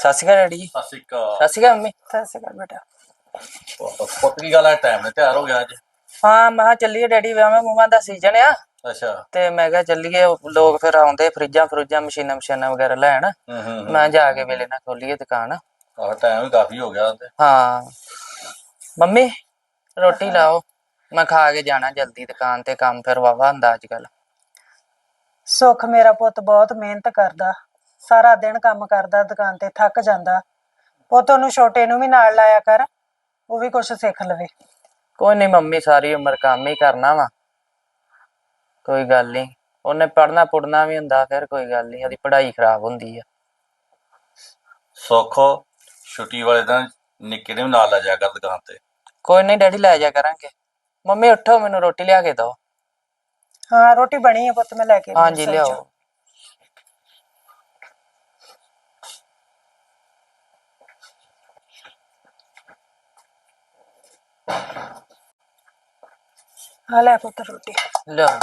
ਸਤਿ ਸ਼੍ਰੀ ਅਕਾਲ ਡੈਡੀ ਜੀ। ਸਤਿ ਸ਼੍ਰੀ ਅਕਾਲ। ਸਤਿ ਸ਼੍ਰੀ ਅਕਾਲ ਮੰਮੀ। ਸਤਿ ਸ਼੍ਰੀ ਅਕਾਲ ਬੇਟਾ। ਪੁੱਤ ਕੀ ਗੱਲ ਹੈ, ਟਾਈਮ ਨਾਲ ਤਿਆਰ ਹੋ ਗਿਆ ਅੱਜ? ਹਾਂ ਮੈਂ ਕਿਹਾ ਚੱਲੀਏ ਡੈਡੀ, ਵਿਆਹਾਂ ਮੂਹਾਂ ਦਾ ਸੀਜ਼ਨ ਆ ਅੱਛਾ। ਤੇ ਮੈਂ ਕਿਹਾ ਚੱਲੀਏ, ਲੋਕ ਫਿਰ ਆਉਂਦੇ ਫਰਿੱਜਾਂ ਮਸ਼ੀਨਾਂ ਵਗੈਰਾ ਲੈਣ। ਮੈਂ ਜਾ ਕੇ ਵੇਲੇ ਨਾਲ ਖੋਲੀਏ ਦੁਕਾਨ। ਆਹ ਟਾਈਮ ਵੀ ਕਾਫੀ ਹੋ ਗਿਆ ਤੇ। ਹਾਂ ਮੰਮੀ ਰੋਟੀ ਲਾਓ, ਮੈਂ ਖਾ ਕੇ ਜਾਣਾ ਜਲਦੀ ਦੁਕਾਨ ਤੇ, ਕੰਮ ਫਿਰ ਵਾਵਾ ਹੁੰਦਾ ਅੱਜ ਕੱਲ। ਸੁੱਖ ਮੇਰਾ ਪੁੱਤ ਬਹੁਤ ਮਿਹਨਤ ਕਰਦਾ, ਸਾਰਾ ਦਿਨ ਕੰਮ ਕਰਦਾ ਦੁਕਾਨ ਤੇ, ਥੱਕ ਜਾਂਦਾ। ਪੁੱਤ ਉਹਨੂੰ ਛੋਟੇ ਨੂੰ ਵੀ ਨਾਲ ਲਾਇਆ ਕਰ, ਉਹ ਵੀ ਕੁਛ ਸਿੱਖ ਲਵੇ। ਕੋਈ ਨਹੀਂ ਮੰਮੀ, ਸਾਰੀ ਉਮਰ ਕੰਮ ਹੀ ਕਰਨਾ ਵਾ, ਕੋਈ ਗੱਲ ਨਹੀਂ। ਉਹਨੇ ਪੜ੍ਹਨਾ ਪੁੜਨਾ ਵੀ ਹੁੰਦਾ, ਫਿਰ ਕੋਈ ਗੱਲ ਨਹੀਂ, ਉਹਦੀ ਪੜ੍ਹਾਈ ਖਰਾਬ ਹੁੰਦੀ ਆ। ਸੁੱਖ ਛੁੱਟੀ ਵਾਲੇ ਦਿਨ ਨਿੱਕੇ ਨੂੰ ਵੀ ਨਾਲ ਲੈ ਜਾਇਆ ਕਰ ਦੁਕਾਨ ਤੇ। ਕੋਈ ਨਹੀਂ ਡੈਡੀ, ਲੈ ਜਾ ਕਰਾਂਗੇ। ਮੰਮੀ ਉੱਠੋ, ਮੈਨੂੰ ਰੋਟੀ ਲਿਆ ਕੇ ਦਿਓ। ਹਾਂ ਰੋਟੀ ਬਣੀ ਹੈ ਪੁੱਤ, ਮੈਂ ਲੈ ਕੇ ਆਈ ਹਾਂਜੀ ਰਸੋਈ ਚੋਂ। ਲਿਆਓ। ਹਾਂ ਲੈ ਪੁੱਤ ਰੋਟੀ। ਲਿਆਓ।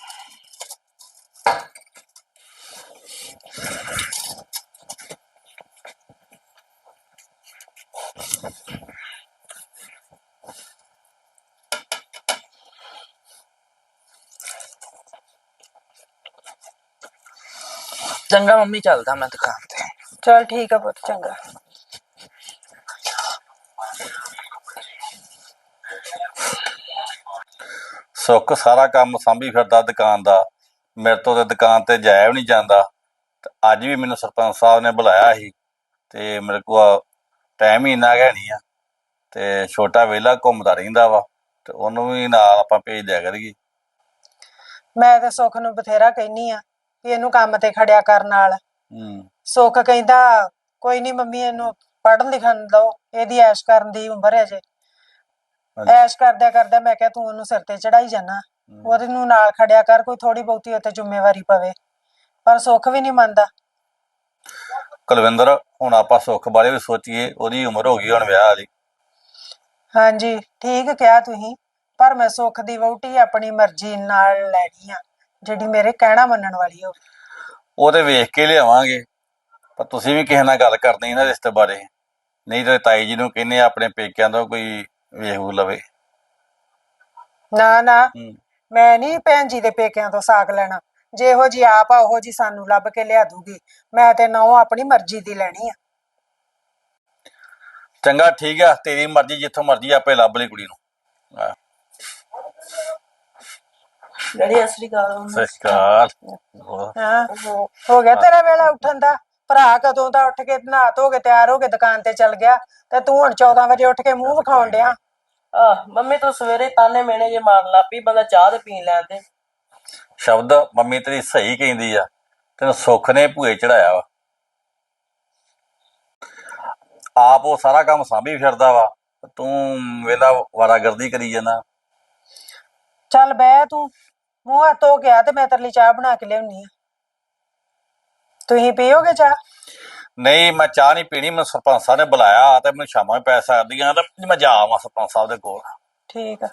ਚੰਗਾ ਮੰਮੀ, ਚੱਲਦਾ ਮੈਂ ਦੁਕਾਨ ਤੇ। ਚਲ ਠੀਕ ਆ ਪੁੱਤ, ਚੰਗਾ। ਸੁੱਖ ਸਾਰਾ ਕੰਮ ਸਾਂਭੀ ਫਿਰਦਾ ਦੁਕਾਨ ਦਾ, ਮੇਰੇ ਤੋਂ ਤੇ ਦੁਕਾਨ ਤੇ ਜਾਇਆ ਵੀ ਨਹੀਂ ਜਾਂਦਾ। ਤੇ ਅੱਜ ਵੀ ਮੈਨੂੰ ਸਰਪੰਚ ਸਾਹਿਬ ਨੇ ਬੁਲਾਇਆ ਸੀ ਤੇ ਮੇਰੇ ਕੋਲ ਟਾਈਮ ਹੀ ਇੰਨਾ ਹੈ ਨਹੀਂ ਆ, ਤੇ ਛੋਟਾ ਵਿਹਲਾ ਘੁੰਮਦਾ ਰਹਿੰਦਾ ਵਾ, ਤੇ ਉਹਨੂੰ ਵੀ ਨਾਲ ਆਪਾਂ ਭੇਜ ਦਿਆ ਕਰੀਏ। ਮੈਂ ਤੇ ਸੁੱਖ ਨੂੰ ਬਥੇਰਾ ਕਹਿਨੀ ਆ ਵੀ ਇਹਨੂੰ ਕੰਮ ਤੇ ਖੜਿਆ ਕਰ ਨਾਲ। ਸੁੱਖ ਕਹਿੰਦਾ ਕੋਈ ਨਹੀਂ ਮੰਮੀ, ਇਹਨੂੰ ਪੜ੍ਹਨ ਲਿਖਣ ਦਓ, ਇਹਦੀ ਐਸ਼ ਕਰਨ ਦੀ ਉਮਰ ਹੈ ਜੇ। ਐਸ਼ ਕਰਦਿਆਂ ਕਰਦਿਆਂ ਮੈਂ ਕਿਹਾ ਤੂੰ ਉਹਨੂੰ ਸਿਰ ਤੇ ਚੜਾਈ ਜਾਣਾ, ਉਹਦੇ ਨੂੰ ਨਾਲ ਖੜਿਆ ਕਰ, ਕੋਈ ਥੋੜੀ ਬਹੁਤੀ ਉੱਤੇ ਜ਼ਿੰਮੇਵਾਰੀ ਪਵੇ। ਪਰ ਸੁੱਖ ਵੀ ਨਹੀਂ ਮੰਨਦਾ। ਕੁਲਵਿੰਦਰ, ਹੁਣ ਆਪਾਂ ਸੁੱਖ ਬਾਰੇ ਵੀ ਸੋਚੀਏ, ਉਹਦੀ ਉਮਰ ਹੋ ਗਈ ਹੁਣ ਵਿਆਹ ਵਾਲੀ। ਹਾਂਜੀ ਠੀਕ ਕਿਹਾ ਤੁਸੀਂ, ਪਰ ਮੈਂ ਸੁੱਖ ਦੀ ਵਹੁਟੀ ਆਪਣੀ ਮਰਜ਼ੀ ਨਾਲ ਲੈਣੀ ਆ, ਜਿਹੜੀ ਮੇਰੇ ਕਹਿਣਾ ਮੰਨਣ ਵਾਲੀ ਹੋਵੇ। ਉਹ ਤੇ ਵੇਖ ਕੇ ਲਿਆਵਾਂਗੇ, ਪਰ ਤੁਸੀਂ ਵੀ ਕਿਸੇ ਨਾਲ ਗੱਲ ਕਰਨੀ ਨਾ ਰਿਸ਼ਤੇ ਬਾਰੇ, ਨਹੀਂ ਤੇ ਤਾਈ ਜੀ ਨੂੰ ਕਹਿੰਦੇ ਆਪਣੇ ਪੇਕਿਆਂ ਤੋਂ ਕੋਈ ਵੇਖ ਲਵੇ। ਨਾ ਨਾ, ਮੈਂ ਨਹੀਂ ਭੈਣ ਜੀ ਦੇ ਪੇਕਿਆਂ ਤੋਂ ਸਾਕ ਲੈਣਾ। ਜੇ ਇਹੋ ਜੀ ਆਪ ਆ ਉਹੋ ਜੀ ਸਾਨੂੰ ਲੱਭ ਕੇ ਲਿਆ ਦੂਗੀ। ਮੈਂ ਤੇ ਨਹੁੰ ਆਪਣੀ ਮਰਜ਼ੀ ਦੀ ਲੈਣੀ ਆ। ਚੰਗਾ ਠੀਕ ਆ, ਤੇਰੀ ਮਰਜ਼ੀ, ਜਿੱਥੋਂ ਮਰਜ਼ੀ ਆਪੇ ਲੱਭ ਲਈ ਕੁੜੀ ਨੂੰ। ਡੈਡੀ ਸਤਿ ਸ਼੍ਰੀ ਅਕਾਲ। ਸਤਿ ਸ਼੍ਰੀ ਅਕਾਲ। ਹਾਂ ਹੋ ਗਿਆ ਤੇਰਾ ਵੇਲਾ ਉੱਠਣ ਦਾ? ਭਰਾ ਕਦੋਂ ਦਾ ਉੱਠ ਕੇ ਨਹਾ ਧੋ ਕੇ ਤਿਆਰ ਹੋ ਕੇ ਦੁਕਾਨ ਤੇ ਚੱਲ ਗਿਆ, ਤੇ ਤੂੰ ਹੁਣ 14 ਵਜੇ ਉੱਠ ਕੇ ਮੂੰਹ ਵਿਖਾਉਣ ਡਿਆ। ਮੰਮੀ ਤੂੰ ਸਵੇਰੇ ਤਾਨੇ ਮੇਣੇ ਜੇ ਮਾਰਨ ਲੱਗ ਪਈ, ਬੰਦਾ ਚਾਹ ਤੇ ਪੀਣ ਲੈਣ ਦੇ। ਸ਼ਬਦ ਮੰਮੀ ਤੇਰੀ ਸਹੀ ਕਹਿੰਦੀ ਆ, ਤੈਨੂੰ ਸੁੱਖ ਨੇ ਭੂਏ ਚੜਾਇਆ ਵਾ। ਆਪ ਉਹ ਸਾਰਾ ਕੰਮ ਸਾਂਭੀ ਫਿਰਦਾ ਵਾ, ਤੂੰ ਵੇਲਾ ਵਾਰਾਗਰਦੀ ਕਰੀ ਜਾਂਦਾ। ਚੱਲ ਬਹਿ, ਤੂੰ ਮੂੰਹ ਹੱਥ ਧੋ ਗਿਆ ਤੇ ਮੈਂ ਤੇਰੇ ਲਈ ਚਾਹ ਬਣਾ ਕੇ ਲਿਆਉਣੀ ਆ। ਤੁਸੀਂ ਪੀਓਗੇ ਚਾਹ? ਨਹੀਂ ਮੈਂ ਚਾਹ ਨਹੀਂ ਪੀਣੀ, ਮੈਨੂੰ ਸਰਪੰਚ ਸਾਹਿਬ ਨੇ ਬੁਲਾਇਆ ਤੇ ਮੈਨੂੰ ਸ਼ਾਮਾਂ ਪੈ ਸਕਦੀਆਂ, ਤੇ ਮੈਂ ਜਾ ਆਵਾਂ ਸਰਪੰਚ ਸਾਹਿਬ ਦੇ ਕੋਲ। ਠੀਕ ਆ।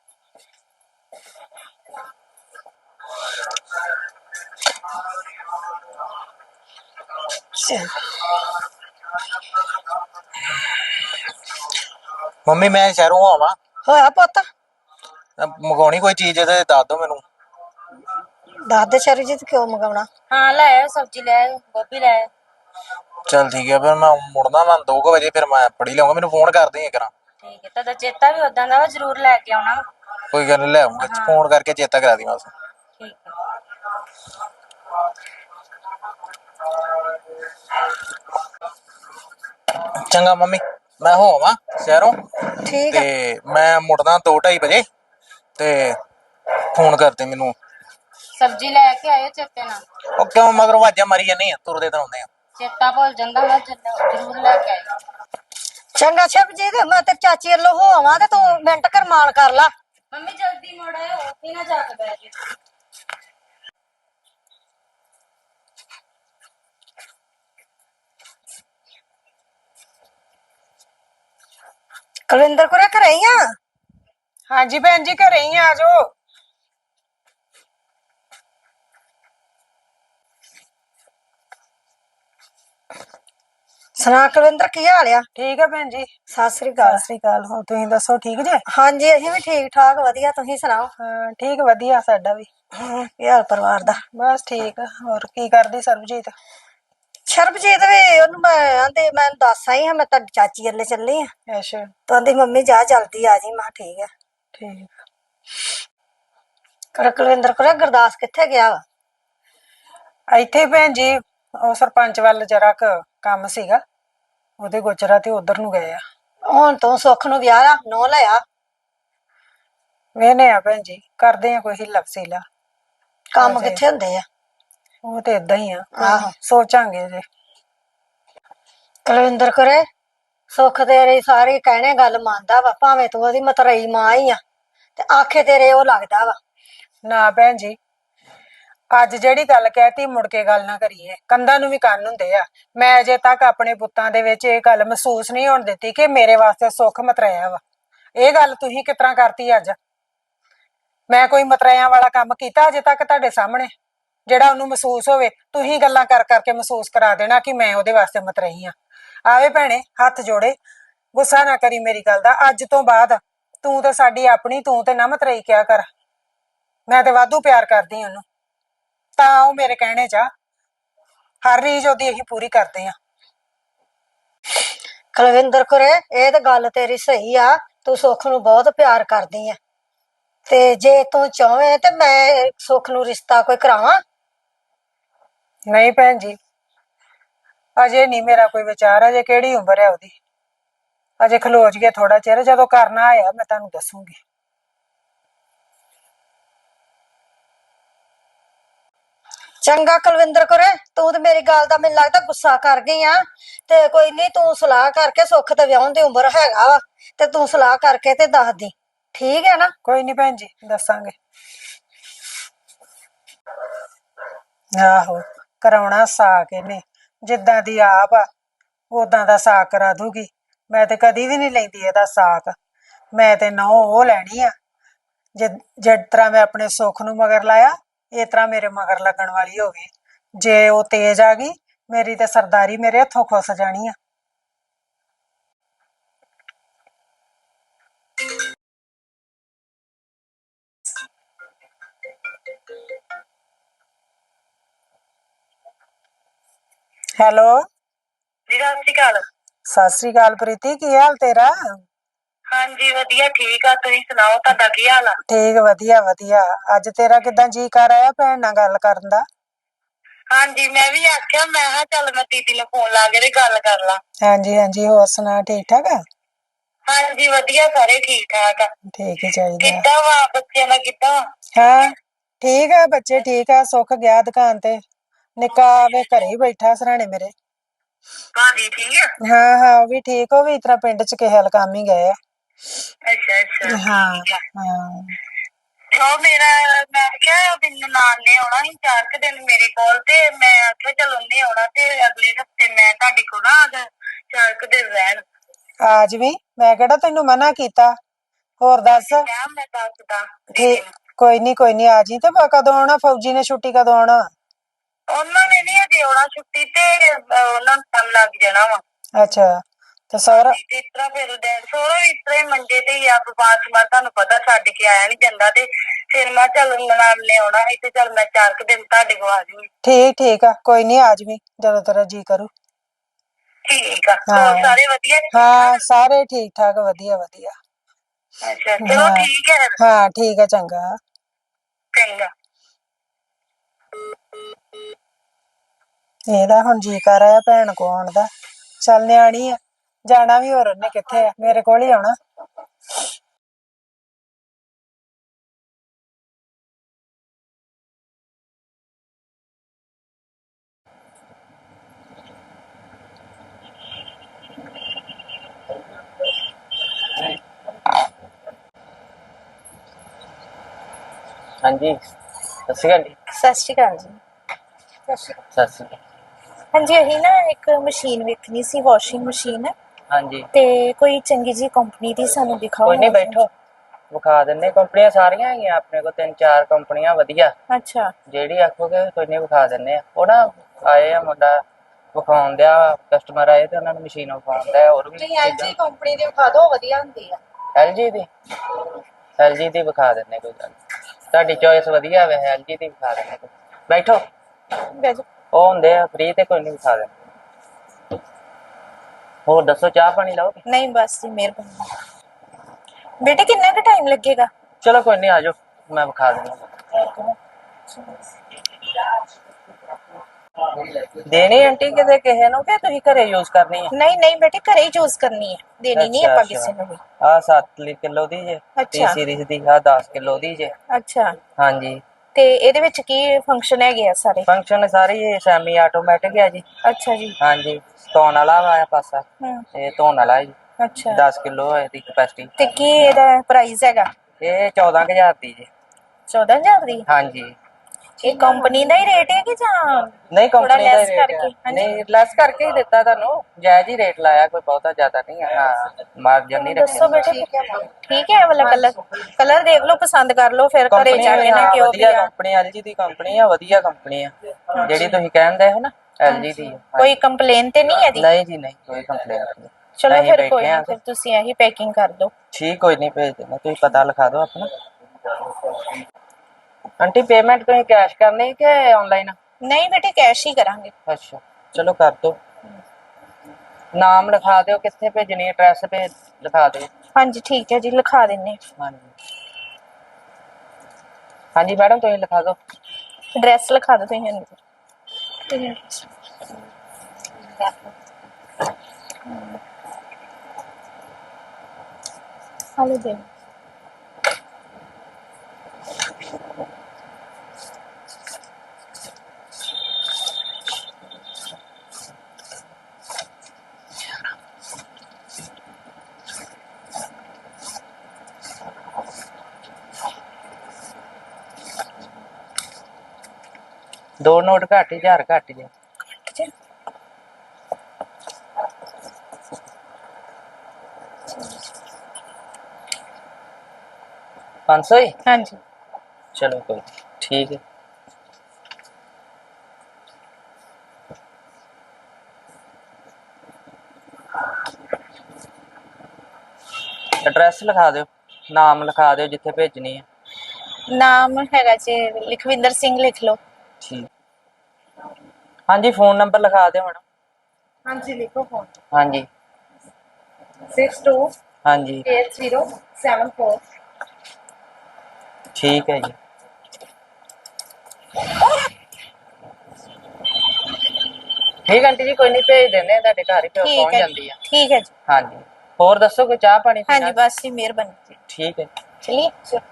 ਮੰਮੀ ਮੈਂ ਸ਼ਹਿਰੋਂ ਆਵਾਂ, ਹੋਇਆ ਪੁੱਤ? ਮੰਗਾਉਣੀ ਕੋਈ ਚੀਜ਼ ਤੇ ਦੱਸ ਦੋ ਮੈਨੂੰ। ਦੱਸ ਦੇ ਸ਼ਰਜੀਤ, ਕਿਉਂ ਮੰਗਾਉਣਾ? ਹਾਂ ਲੈ ਆਇਓ, ਸਬਜ਼ੀ ਲੈ ਆਇਓ, ਗੋਭੀ ਲੈ ਆਇਓ। ਚੱਲ ਠੀਕ ਹੈ, ਫਿਰ ਮੈਂ ਮੁੜਨਾ ਵਾ 2 ਵਜੇ, ਫਿਰ ਮੈਂ ਪੜੀ ਲਊਂਗਾ, ਮੈਨੂੰ ਫੋਨ ਕਰ ਦੇ ਕਰਾਂ। ਠੀਕ ਹੈ, ਤੁਹਾਡਾ ਚੇਤਾ ਵੀ ਉਦਾਂ ਦਾ ਵਾ, ਜ਼ਰੂਰ ਲੈ ਕੇ ਆਉਣਾ। ਕੋਈ ਗੱਲ ਨਹੀਂ, ਲੈ ਆਉਂਗਾ, ਫੋਨ ਕਰਕੇ ਚੇਤਾ ਕਰਾ ਦੀ ਬਸ। ਠੀਕ ਹੈ। ਚੰਗਾ ਮੰਮੀ, ਮੈਂ ਹੋ ਆਵਾਂ ਸ਼ਹਿਰੋਂ, ਠੀਕ ਤੇ ਮੈਂ ਮੁੜਨਾ 2-2:30 ਵਜੇ, ਤੇ ਫੋਨ ਕਰਦੇ ਮੈਨੂੰ। ਸਬਜ਼ੀ ਲੈ ਕੇ ਆਇਓ ਚੇਤੇ ਨਾਲ। ਉਹ ਕਿਉਂ ਮਗਰੋਂ ਆਵਾਜ਼ਾਂ ਮਾਰੀ ਜਾਂਦੀ ਆ, ਤੁਰਦੇ ਤਾਂ ਆਉਂਦੇ ਆ। ਚੇਤਾ ਭੁੱਲ ਜਾਂਦਾ ਵਾ, ਜ਼ਰੂਰ ਲੈ ਕੇ ਆਇਓ। ਚੰਗਾ ਸ਼ਰਜੀਤ, ਮੈਂ ਤੇ ਚਾਚੀ ਵੱਲੋਂ ਹੋ ਆਵਾਂ ਤੇ ਤੂੰ ਮਿੰਟ ਕਰਮਾਨ ਕਰ ਲਾ। ਮੰਮੀ ਜਲਦੀ ਮੁੜ ਆਇਓ, ਉੱਥੇ ਨਾ ਜਾ ਕੇ ਬਹਿ ਜਾਇਓ। ਕੁਲਵਿੰਦਰ ਕੋਲ ਘਰੇ ਹੀ ਆ? ਹਾਂਜੀ ਭੈਣ ਜੀ, ਘਰੇ ਹੀ ਆ ਜਾਓ। ਸੁਣਾ ਕੁਲਵਿੰਦਰ, ਕੀ ਹਾਲ ਆ? ਠੀਕ ਆ ਭੈਣ ਜੀ। ਸਤਿ ਸ੍ਰੀ ਅਕਾਲ। ਸਤਿ ਸ੍ਰੀ ਅਕਾਲ। ਹੋਰ ਤੁਸੀਂ ਦੱਸੋ, ਠੀਕ ਜੇ? ਹਾਂਜੀ, ਅਸੀਂ ਵੀ ਠੀਕ ਠਾਕ, ਵਧੀਆ। ਤੁਸੀਂ ਸੁਣਾਓ? ਹਾਂ ਠੀਕ, ਵਧੀਆ ਸਾਡਾ ਵੀ। ਕੀ ਹਾਲ ਪਰਿਵਾਰ ਦਾ? ਬਸ ਠੀਕ ਆ। ਹੋਰ ਕੀ ਕਰਦੀ ਸਰਬਜੀਤ? ਸ਼ਰਬਜੀਤ ਵੀ ਉਹਨੂੰ ਮੈਂ ਦੱਸ ਆਈ ਹਾਂ, ਮੈਂ ਤੁਹਾਡੀ ਚਾਚੀ ਵੱਲੇ ਚੱਲੀ ਆ। ਅੱਛਾ ਤਾਂ ਆਂਦੀ ਮੰਮੀ ਜਾ ਜਲਦੀ ਆ ਜੀ। ਮੈਂ ਕਿਹਾ ਠੀਕ ਆ। ਠੀਕ। ਕਰ ਕੁਲਵਿੰਦਰ ਕੋਲ ਗੁਰਦਾਸ ਕਿੱਥੇ ਗਿਆ ਵਾ? ਇੱਥੇ ਭੈਣ ਜੀ ਉਹ ਸਰਪੰਚ ਵੱਲ ਜਰਾ ਕੁ ਕੰਮ ਸੀਗਾ, ਉਹਦੇ ਗੋਚਰਾ ਤੇ ਉਧਰ ਨੂੰ ਗਏ ਆ। ਹੁਣ ਤੂੰ ਸੁੱਖ ਨੂੰ ਵਿਆਹ ਆ, ਨੋ ਲਿਆ? ਵੇਨੇ ਆ ਭੈਣ ਜੀ, ਕਰਦੇ ਆ ਕੋਈ ਹਿੱਲਾ ਵਸੀਲਾ। ਕੰਮ ਕਿੱਥੇ ਹੁੰਦੇ ਆ? ਉਹ ਤੇ ਏਦਾਂ ਹੀ ਆ, ਆਹੋ। ਸੋਚਾਂਗੇ ਜੇ। ਕੁਲਵਿੰਦਰ ਕਰੇ ਸੁੱਖ ਤੇਰੇ ਸਾਰੇ ਕਹਿਣੇ ਗੱਲ ਮੰਨਦਾ ਵਾ, ਭਾਵੇਂ ਤੂੰ ਉਹਦੀ ਮਤਰਈ ਮਾਂ ਹੀ ਆ, ਤੇ ਆਖੇ ਤੇਰੇ ਉਹ ਲੱਗਦਾ ਵਾ। ਨਾ ਭੈਣ ਜੀ, ਅੱਜ ਜਿਹੜੀ ਗੱਲ ਕਹਿਤੀ ਮੁੜ ਕੇ ਗੱਲ ਨਾ ਕਰੀਏ। ਕੰਧਾਂ ਨੂੰ ਵੀ ਕੰਨ ਹੁੰਦੇ ਆ। ਮੈਂ ਅਜੇ ਤੱਕ ਆਪਣੇ ਪੁੱਤਾਂ ਦੇ ਵਿੱਚ ਇਹ ਗੱਲ ਮਹਿਸੂਸ ਨਹੀਂ ਹੋਣ ਦਿੱਤੀ ਕਿ ਮੇਰੇ ਵਾਸਤੇ ਸੁੱਖ ਮਤਰਾਇਆ ਵਾ। ਇਹ ਗੱਲ ਤੁਸੀਂ ਕਿਸ ਤਰ੍ਹਾਂ ਕਰਤੀ ਅੱਜ? ਮੈਂ ਕੋਈ ਮਤਰਾਇਆਂ ਵਾਲਾ ਕੰਮ ਕੀਤਾ ਅਜੇ ਤੱਕ ਤੁਹਾਡੇ ਸਾਹਮਣੇ ਜਿਹੜਾ ਉਹਨੂੰ ਮਹਿਸੂਸ ਹੋਵੇ? ਤੁਸੀਂ ਗੱਲਾਂ ਕਰ ਕਰਕੇ ਮਹਿਸੂਸ ਕਰਾ ਦੇਣਾ ਕਿ ਮੈਂ ਉਹਦੇ ਵਾਸਤੇ ਮਤਰਾਈ ਆ। ਆਵੇ ਭੈਣੇ, ਹੱਥ ਜੋੜੇ, ਗੁੱਸਾ ਨਾ ਕਰੀ ਮੇਰੀ ਗੱਲ ਦਾ। ਅੱਜ ਤੋਂ ਬਾਅਦ ਤੂੰ ਤੇ ਸਾਡੀ ਆਪਣੀ, ਤੂੰ ਤੇ ਨਾ ਮਤਰਾਈ ਕਿਹਾ ਕਰ। ਮੈਂ ਤੇ ਵਾਧੂ ਪਿਆਰ ਕਰਦੀ ਉਹਨੂੰ, ਤਾਂ ਉਹ ਮੇਰੇ ਕਹਿਣੇ ਚ ਆ। ਹਰ ਰੀਝ ਉਹਦੀ ਅਸੀਂ ਪੂਰੀ ਕਰਦੇ ਆ। ਕੁਲਵਿੰਦਰ ਕਰੇ ਇਹ ਤਾਂ ਗੱਲ ਤੇਰੀ ਸਹੀ ਆ, ਤੂੰ ਸੁੱਖ ਨੂੰ ਬਹੁਤ ਪਿਆਰ ਕਰਦੀ ਆ, ਤੇ ਜੇ ਤੂੰ ਚਾਹਵੇਂ ਤੇ ਮੈਂ ਸੁੱਖ ਨੂੰ ਰਿਸ਼ਤਾ ਕੋਈ ਕਰਾਵਾਂ? ਨਹੀਂ ਭੈਣ ਜੀ, ਅਜੇ ਨਹੀਂ ਮੇਰਾ ਕੋਈ ਵਿਚਾਰ। ਅਜੇ ਕਿਹੜੀ ਉਮਰ ਹੈ ਉਹਦੀ? ਅਜੇ ਖਲੋ ਜਾਈਏ ਥੋੜਾ ਚਿਰ, ਜਦੋਂ ਕਰਨਾ ਆਇਆ ਮੈਂ ਤੁਹਾਨੂੰ ਦੱਸੂਗੀ। ਚੰਗਾ ਕੁਲਵਿੰਦਰ ਕਰੇ, ਤੂੰ ਤੇ ਮੇਰੀ ਗੱਲ ਦਾ ਮੈਨੂੰ ਲੱਗਦਾ ਗੁੱਸਾ ਕਰ ਗਈ ਆ। ਤੇ ਕੋਈ ਨਹੀਂ, ਤੂੰ ਸਲਾਹ ਕਰਕੇ, ਸੁੱਖ ਤੇ ਵਿਆਹੁਣ ਦੀ ਉਮਰ ਹੈਗਾ ਵਾ, ਤੇ ਤੂੰ ਸਲਾਹ ਕਰਕੇ ਤੇ ਦੱਸ ਦੀ, ਠੀਕ ਹੈ ਨਾ? ਕੋਈ ਨਹੀਂ ਭੈਣ ਜੀ, ਦੱਸਾਂਗੇ। ਆਹੋ, ਕਰਾਉਣਾ ਸਾਕ ਇਹਨੇ। ਜਿੱਦਾਂ ਦੀ ਆਪ ਆ ਉਦਾਂ ਦਾ ਸਾਕ ਕਰਾ ਦੂਗੀ। ਮੈਂ ਤੇ ਕਦੀ ਵੀ ਨਹੀਂ ਲੈਂਦੀ ਇਹਦਾ ਸਾਕ। ਮੈਂ ਤੇ ਨਹੁੰ ਉਹ ਲੈਣੀ ਆ ਜਿਸ ਤਰ੍ਹਾਂ ਮੈਂ ਆਪਣੇ ਸੁੱਖ ਨੂੰ ਮਗਰ ਲਾਇਆ, ਇਸ ਤਰ੍ਹਾਂ ਮੇਰੇ ਮਗਰ ਲੱਗਣ ਵਾਲੀ ਹੋਵੇ। ਜੇ ਉਹ ਤੇਜ਼ ਆ ਗਈ, ਮੇਰੀ ਤੇ ਸਰਦਾਰੀ ਮੇਰੇ ਹੱਥੋਂ ਖੁੱਸ ਜਾਣੀ ਆ। ਹੈਲੋ, ਸਤਿ ਸ਼੍ਰੀ ਅਕਾਲ। ਸਤਿ ਸ੍ਰੀ ਅਕਾਲ ਪ੍ਰੀਤੀ, ਕੀ ਹਾਲ ਤੇਰਾ? ਹਾਂਜੀ ਵਧੀਆ, ਠੀਕ ਆ। ਤੁਸੀਂ ਸੁਣਾਓ, ਤੁਹਾਡਾ ਕੀ ਹਾਲ ਆ? ਠੀਕ, ਵਧੀਆ ਵਧੀਆ। ਅੱਜ ਤੇਰਾ ਕਿਦਾਂ ਜੀ ਕਰ ਆਇਆ ਭੈਣ ਨਾਲ ਗੱਲ ਕਰਨ ਦਾ? ਹਾਂਜੀ, ਮੈਂ ਵੀ ਆਖਿਆ, ਮੈਂ ਕਿਹਾ ਚੱਲ ਮੈਂ ਦੀਦੀ ਨੂੰ ਫੋਨ ਲਾ ਕੇ ਤੇ ਗੱਲ ਕਰ ਲਾਂ। ਹਾਂਜੀ ਹਾਂਜੀ, ਹੋਰ ਸੁਣਾ, ਠੀਕ ਠਾਕ ਆ? ਹਾਂਜੀ ਵਧੀਆ, ਸਾਰੇ ਠੀਕ ਠਾਕ ਆ। ਠੀਕ ਹੀ ਚਾਹੀਦਾ। ਕਿੱਦਾਂ ਵਾ ਬੱਚਿਆਂ ਦਾ, ਕਿੱਦਾਂ? ਹਾਂ ਠੀਕ ਆ, ਬੱਚੇ ਠੀਕ ਆ। ਸੁੱਖ ਗਿਆ ਦੁਕਾਨ ਤੇ, ਨਿੱਕਾ ਵੇ ਘਰੇ ਹੀ ਬੈਠਾ ਸਰਾਣੇ ਮੇਰੇ। ਭਾਜੀ ਠੀਕ ਆ? ਹਾਂ ਹਾਂ, ਉਹ ਵੀ ਠੀਕ। ਉਹ ਵੀ ਇਸ ਤਰ੍ਹਾਂ ਪਿੰਡ ਚ ਕਿਸੇ ਹਲ ਕੰਮ ਹੀ ਗਏ ਆ। ਅੱਛਾ ਅੱਛਾ, ਹਾਂ ਠੀਕ ਆ। ਹਾਂ। ਉਹ ਮੇਰਾ, ਮੈਂ ਕਿਹਾ ਮੈਨੂੰ ਨਾਲ ਨੇ ਆਉਣਾ ਸੀ 4 ਕੁ ਦਿਨ ਮੇਰੇ ਕੋਲ, ਤੇ ਮੈਂ ਆਖਿਆ ਚਲ ਉਹਨੇ ਆਉਣਾ ਤੇ ਅਗਲੇ ਹਫਤੇ ਮੈਂ ਤੁਹਾਡੇ ਕੋਲ ਨਾ 4 ਕੁ ਦਿਨ ਰਹਿਣ। ਆ ਜਵੀਂ, ਮੈਂ ਕਿਹੜਾ ਤੈਨੂੰ ਮਨਾ ਕੀਤਾ। ਹੋਰ ਦੱਸ। ਕਿਹਾ ਮੈਂ ਦੱਸਦਾ ਦੀਦੀ ਠੀਕ, ਨੂੰ। ਕੋਈ ਨੀ ਕੋਈ ਨੀ, ਆ ਜੀ। ਤੇ ਕਦੋਂ ਆਉਣਾ? ਫੌਜੀ ਨੇ ਛੁੱਟੀ ਕਦੋਂ ਆਉਣਾ? ਉਹਨਾਂ ਨੇ ਨੀ ਅਜੇ ਆਉਣਾ ਛੁੱਟੀ ਤੇ, ਉਹਨਾਂ ਨੂੰ ਟਾਈਮ ਲੱਗ ਜਾਣਾ ਵਾ। ਅੱਛਾ, ਤੇ ਸਹੁਰਾ? ਤੇ ਇਸ ਤਰ੍ਹਾਂ ਫਿਰ ਸਹੁਰਾ ਵੀ ਇਸ ਤਰ੍ਹਾਂ ਹੀ ਮੰਜੇ ਤੇ ਹੀ ਆ, ਬਾਅਦ ਚ ਮੈਂ ਤੁਹਾਨੂੰ ਪਤਾ ਛੱਡ ਕੇ ਆਇਆ ਨੀ ਜਾਂਦਾ, ਤੇ ਫਿਰ ਮੈਂ ਚੱਲ ਨਾਲ ਨੇ ਆਉਣਾ ਸੀ ਤੇ ਚੱਲ ਮੈਂ 4 ਕੁ ਦਿਨ ਤੁਹਾਡੇ ਕੋਲ ਆ ਜੂਗੀ। ਠੀਕ ਠੀਕ ਆ, ਕੋਈ ਨੀ, ਆ ਜਵੀਂ ਜਦੋਂ ਤੇਰਾ ਜੀ ਕਰੂ। ਠੀਕ ਆ। ਹਾਂ ਹੋਰ ਸਾਰੇ ਵਧੀਆ ਨੇ? ਹਾਂ, ਸਾਰੇ ਠੀਕ ਠਾਕ, ਵਧੀਆ ਵਧੀਆ। ਅੱਛਾ, ਚਲੋ ਹਾਂ ਠੀਕ ਹੈ ਫਿਰ। ਹਾਂ, ਠੀਕ ਆ, ਚੰਗਾ। ਚੰਗਾ। ਇਹਦਾ ਹੁਣ ਜੀ ਕਰ ਆਇਆ ਭੈਣ ਕੋ ਆਉਣ ਦਾ। ਚੱਲ, ਨਿਆਣੀ ਆ, ਜਾਣਾ ਵੀ ਹੋਰ ਉਹਨੇ ਕਿੱਥੇ ਆ, ਮੇਰੇ ਕੋਲ ਹੀ ਆਉਣਾ। ਹਾਂਜੀ, ਸਤਿ ਸ਼੍ਰੀ ਅਕਾਲ ਜੀ। ਸਤਿ ਸ਼੍ਰੀ ਅਕਾਲ ਜੀ। ਸਤਿ ਸ਼੍ਰੀ ਅਕਾਲ। ਹਾਂਜੀ, ਅਸੀਂ ਨਾ ਇੱਕ ਮਸ਼ੀਨ ਵੇਖਣੀ ਸੀ, ਵਾਸ਼ਿੰਗ ਮਸ਼ੀਨ, ਹਾਂਜੀ, ਤੇ ਕੋਈ ਚੰਗੀ ਜੀ ਕੰਪਨੀ ਦੀ ਸਾਨੂੰ ਦਿਖਾਓ। ਕੋਈ ਨਹੀਂ, ਬੈਠੋ, ਵਿਖਾ ਦਿੰਨੇ। ਕੰਪਨੀਆਂ ਸਾਰੀਆਂ ਹੈਗੀਆਂ ਆਪਣੇ ਕੋਲ, 3-4 ਕੰਪਨੀਆਂ ਵਧੀਆ। ਅੱਛਾ। ਜਿਹੜੀ ਆਖੋਗੇ ਕੋਈ ਨਹੀਂ, ਵਿਖਾ ਦਿੰਨੇ ਆ। ਉਹ ਨਾ ਆਏ ਆ ਮੁੰਡਾ ਵਿਖਾਉਣ ਦਿਆ ਕਸਟਮਰ ਆਏ ਤੇ ਉਹਨਾਂ ਨੂੰ ਮਸ਼ੀਨ ਵਿਖਾਉਣ ਦਿਆ ਹੋਰ ਵੀ ਤੁਸੀਂ ਐਲਜੀ ਕੰਪਨੀ ਦੀ ਵਿਖਾ ਦਿਓ ਵਧੀਆ ਹੁੰਦੀ ਆ। LG ਦੀ LG ਦੀ ਵਿਖਾ ਦਿੰਨੇ ਕੋਈ ਗੱਲ ਨੀ। ਤੁਹਾਡੀ ਚੋਇਸ ਵਧੀਆ ਵੇ LG ਦੀ ਵਿਖਾ ਦਿੰਨੇ ਕੋਈ। ਬੈਠੋ ਵੈਜ ਉਹ ਹੁੰਦੇ ਆ ਫ੍ਰੀ ਤੇ ਕੋਈ ਨਹੀਂ ਵਿਖਾ ਦਿੰਦੇ। ਹੋਰ ਦੱਸੋ ਚਾਹ ਪਾਣੀ ਲਾਓਗੇ? ਨਹੀਂ ਬਸ ਜੀ ਮਿਹਰਬਾਨੀ। ਬੇਟੇ ਕਿੰਨਾ ਕੁ ਟਾਈਮ ਲੱਗੇਗਾ? ਚਲੋ ਕੋਈ ਨਹੀਂ ਆ ਜਾਓ ਮੈਂ ਵਿਖਾ ਦਿੰਦਾ। ਦੇਣੀ ਆਂਟੀ ਕਿਤੇ ਕਿਸੇ ਨੂੰ ਕਿ ਤੁਸੀਂ ਘਰੇ ਯੂਜ਼ ਕਰਨੀ ਹੈ? ਨਹੀਂ ਨਹੀਂ ਬੇਟੇ ਘਰੇ ਹੀ ਚੂਜ਼ ਕਰਨੀ ਹੈ, ਦੇਣੀ ਨਹੀਂ ਆਪਾਂ ਕਿਸੇ ਨੂੰ ਵੀ। ਆ 7 ਕਿਲੋ ਦੀ ਜੇ ਟੀ ਅੱਛਾ। ਸੀਰੀਜ਼ ਦੀ ਆ 10 ਕਿਲੋ ਦੀ ਜੇ। ਅੱਛਾ ਹਾਂਜੀ ਤੇ ਇਹਦੇ ਵਿੱਚ ਕੀ ਫੰਕਸ਼ਨ ਹੈਗੇ ਆ ਸਾਰੇ? ਫੰਕਸ਼ਨ ਸਾਰੀ ਸੈਮੀ ਆਟੋਮੈਟਿਕ ਹੈ ਜੀ। ਅੱਛਾ ਜੀ। ਹਾਂਜੀ ਧੋਣ ਵਾਲਾ ਵਾ ਪਾਸਾ ਹੂੰ। ਇਹ ਧੋਣ ਵਾਲਾ ਹੈ ਜੀ। ਅੱਛਾ 10 ਕਿਲੋ ਹੈ ਦੀ ਕਪੈਸਿਟੀ। ਤੇ ਕੀ ਇਹਦਾ ਪ੍ਰਾਈਸ ਹੈਗਾ? ਇਹ 14,000 ਦੀ ਜੀ। 14,000 ਦੀ? ਹਾਂਜੀ ਇਹ ਕੰਪਨੀ ਦਾ ਹੀ ਰੇਟ ਹੈ ਕਿ ਜਾਂ ਨਹੀਂ ਥੋੜਾ ਕੰਪਨੀ ਦਾ ਲੈਸ ਰੇਟ ਕਰਕੇ? ਹੈ। ਹਾਂਜੀ ਨਹੀਂ ਲੈਸ ਕਰਕੇ ਹੀ ਦਿੱਤਾ ਤੁਹਾਨੂੰ ਜਾਇਜ਼ ਹੀ ਰੇਟ ਲਾਇਆ ਕੋਈ ਬਹੁਤਾ ਜ਼ਿਆਦਾ ਨਹੀਂ ਹੈ। ਹਾਂ ਮਾਰਜਨ ਨਹੀਂ ਦੱਸੋ ਰੱਖਿਆ। ਬੇਟੇ ਠੀਕ ਹੈ ਇਹ ਵਾਲਾ ਕਲਰ? ਕਲਰ ਦੇਖ ਲਓ ਪਸੰਦ ਕਰ ਲਓ ਫਿਰ ਘਰੇ ਕੰਪਨੀ ਜਾ ਕੇ ਨਾ ਕਿਉਂ ਵੀ ਵਧੀਆ ਆ। ਕੰਪਨੀ LG ਦੀ ਕੰਪਨੀ ਆ ਵਧੀਆ ਕੰਪਨੀ ਆ ਜਿਹੜੀ ਤੁਸੀਂ ਕਹਿੰਦੇ ਹੋ ਨਾ LG ਦੀ ਆ। ਕੋਈ ਕੰਪਲੇਨ ਤੇ ਨਹੀਂ ਇਹਦੀ? ਨਹੀਂ ਜੀ ਨਹੀਂ ਕੋਈ ਕੰਪਲੇਂਟ ਨਹੀਂ। ਚਲੋ ਅਸੀਂ ਫਿਰ ਕੋਈ ਬੈਠੇ ਆ ਨਹੀਂ, ਫਿਰ ਤੁਸੀਂ ਇਹੀ ਪੈਕਿੰਗ ਕਰ ਦਿਓ। ਠੀਕ ਕੋਈ ਨਹੀਂ ਭੇਜ ਦੇਣਾ ਤੁਸੀਂ ਪਤਾ ਲਿਖਾ ਦਿਓ ਆਪਣਾ। ਆਂਟੀ ਪੇਮੈਂਟ ਤੁਸੀਂ ਕੈਸ਼ ਕਰਨੀ ਕਿ ਆਨਲਾਈਨ? ਨਹੀਂ ਬੇਟੇ ਕੈਸ਼ ਹੀ ਕਰਾਂਗੇ। ਅੱਛਾ ਚਲੋ ਕਰ ਦਿਓ। ਨਾਮ ਲਿਖਾ ਦਿਓ ਕਿੱਥੇ ਭੇਜਣੀ ਐਡਰੈਸ ਭੇਜ ਲਿਖਾ ਦਿਓ। ਹਾਂਜੀ ਠੀਕ ਹੈ ਜੀ ਲਿਖਾ ਦਿੰਨੇ। ਹਾਂਜੀ ਹਾਂਜੀ ਮੈਡਮ ਤੁਸੀਂ ਲਿਖਾ ਦਿਓ। ਐਡਰੈਸ ਲਿਖਾ ਦਿਓ ਤੁਸੀਂ ਇਹਨੂੰ। ਹਲੋ ਦੇ ਦੋ ਨੋਟ ਘੱਟ 1000 ਘੱਟ ਜੇ। ਜੀ। 500 ਹੀ ਹਾਂਜੀ ਚਲੋ ਕੋਈ ਠੀਕ ਹੈ। ਐਡਰੈਸ ਲਿਖਾ ਦਿਓ ਨਾਮ ਲਿਖਾ ਦਿਓ ਜਿੱਥੇ ਭੇਜਣੀ ਹੈ। ਨਾਮ ਹੈਗਾ ਜੀ ਲਖਵਿੰਦਰ ਸਿੰਘ ਲਿਖ ਲਓ। ਠੀਕ ਹਾਂਜੀ ਫੋਨ ਨੰਬਰ ਲਿਖਾ ਦਿਓ ਮੈਡਮ। ਹਾਂਜੀ ਲਿਖੋ ਫੋਨ। ਹਾਂਜੀ 62 ਹਾਂਜੀ 8074। ਠੀਕ ਹੈ ਜੀ। ਠੀਕ ਆਂਟੀ ਜੀ ਕੋਈ ਨਹੀਂ ਭੇਜ ਦਿੰਦੇ ਤੁਹਾਡੇ ਘਰ ਹੀ ਠੀਕ ਪਹੁੰਚ ਹੈ ਜਾਂਦੀ ਆ। ਠੀਕ ਹੈ ਜੀ। ਹਾਂਜੀ ਹੋਰ ਦੱਸੋ ਕੋਈ ਚਾਹ ਪਾਣੀ ਪੀਣਾ? ਹਾਂਜੀ ਬਸ ਜੀ ਮਿਹਰਬਾਨੀ ਜੀ। ਠੀਕ ਹੈ। ਚਲਿਏ।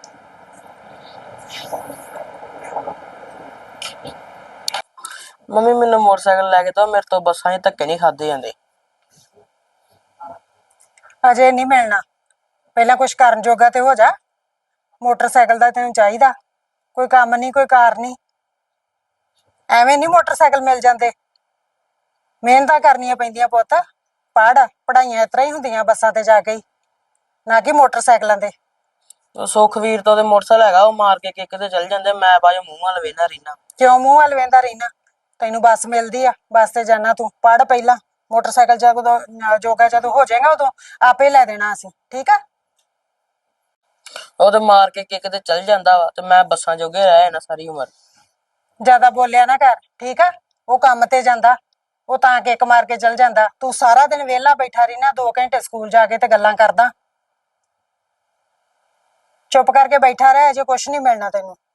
ਮੰਮੀ ਮੈਨੂੰ ਮੋਟਰਸਾਈਕਲ ਲੈ ਕੇ ਦਿਓ, ਮੇਰੇ ਤੋਂ ਬੱਸਾਂ 'ਚ ਧੱਕੇ ਨਹੀਂ ਖਾਦੇ ਜਾਂਦੇ। ਅਜੇ ਨਹੀਂ ਮਿਲਣਾ, ਪਹਿਲਾਂ ਕੁਝ ਕਰਨ ਜੋਗਾ ਤੇ ਹੋ ਜਾ। ਮੋਟਰਸਾਈਕਲ ਦਾ ਤੈਨੂੰ ਚਾਹੀਦਾ, ਕੋਈ ਕੰਮ ਨਹੀਂ ਕੋਈ ਕਾਰ ਨਹੀਂ, ਐਵੇਂ ਨਹੀਂ ਮੋਟਰਸਾਈਕਲ ਮਿਲ ਜਾਂਦੇ। ਮਿਹਨਤਾਂ ਕਰਨੀਆਂ ਪੈਂਦੀਆਂ ਪੁੱਤ। ਪੜ੍ਹ, ਪੜ੍ਹਾਈਆਂ ਇਸ ਤਰ੍ਹਾਂ ਹੀ ਹੁੰਦੀਆਂ ਬੱਸਾਂ ਤੇ ਜਾ ਕੇ ਹੀ, ਨਾ ਕਿ ਮੋਟਰਸਾਈਕਲਾਂ ਤੇ। ਸੁਖਵੀਰ ਤੋਂ ਤੇ ਮੋਟਰਸਾਈਕਲ ਹੈਗਾ, ਉਹ ਮਾਰ ਕੇ ਕਿੱਕ ਤੇ ਚੱਲ ਜਾਂਦੇ, ਮੈਂ ਬਾਅਦ ਮੂੰਹ ਵੱਲ ਵੇਖਦਾ ਰਹਿਣਾ। ਕਿਉਂ ਮੂੰਹ ਵੱਲ ਵੇਂਦਾ ਰਹਿਣਾ? ਤੈਨੂੰ ਬੱਸ ਮਿਲਦੀ ਆ, ਬੱਸ ਤੇ ਜਾਣਾ ਤੂੰ। ਪੜ੍ਹ ਪਹਿਲਾਂ, ਮੋਟਰਸਾਈਕਲ ਜਦੋਂ ਜੋਗਾ ਜਦੋਂ ਹੋ ਜਾਏਗਾ ਉਦੋਂ ਆਪੇ ਲੈ ਦੇਣਾ ਅਸੀਂ, ਠੀਕ ਆ। ਉਹ ਤੇ ਮਾਰ ਕੇ ਕਿੱਕ ਤੇ ਚੱਲ ਜਾਂਦਾ ਵਾ ਤੇ ਮੈਂ ਬੱਸਾਂ ਜੋਗੇ ਰਹਿ ਜਾਣਾ ਸਾਰੀ ਉਮਰ। ਜ਼ਿਆਦਾ ਬੋਲਿਆ ਨਾ ਕਰ, ਠੀਕ ਆ। ਉਹ ਕੰਮ ਤੇ ਜਾਂਦਾ, ਉਹ ਤਾਂ ਕਿੱਕ ਮਾਰ ਕੇ ਚੱਲ ਜਾਂਦਾ। ਤੂੰ ਸਾਰਾ ਦਿਨ ਵਿਹਲਾ ਬੈਠਾ ਰਹਿਣਾ, 2 ਘੰਟੇ ਸਕੂਲ ਜਾ ਕੇ ਤੇ ਗੱਲਾਂ ਕਰਦਾ। ਚੁੱਪ ਕਰਕੇ ਬੈਠਾ ਰਹਿ, ਅਜੇ ਕੁਛ ਨਹੀਂ ਮਿਲਣਾ ਤੈਨੂੰ।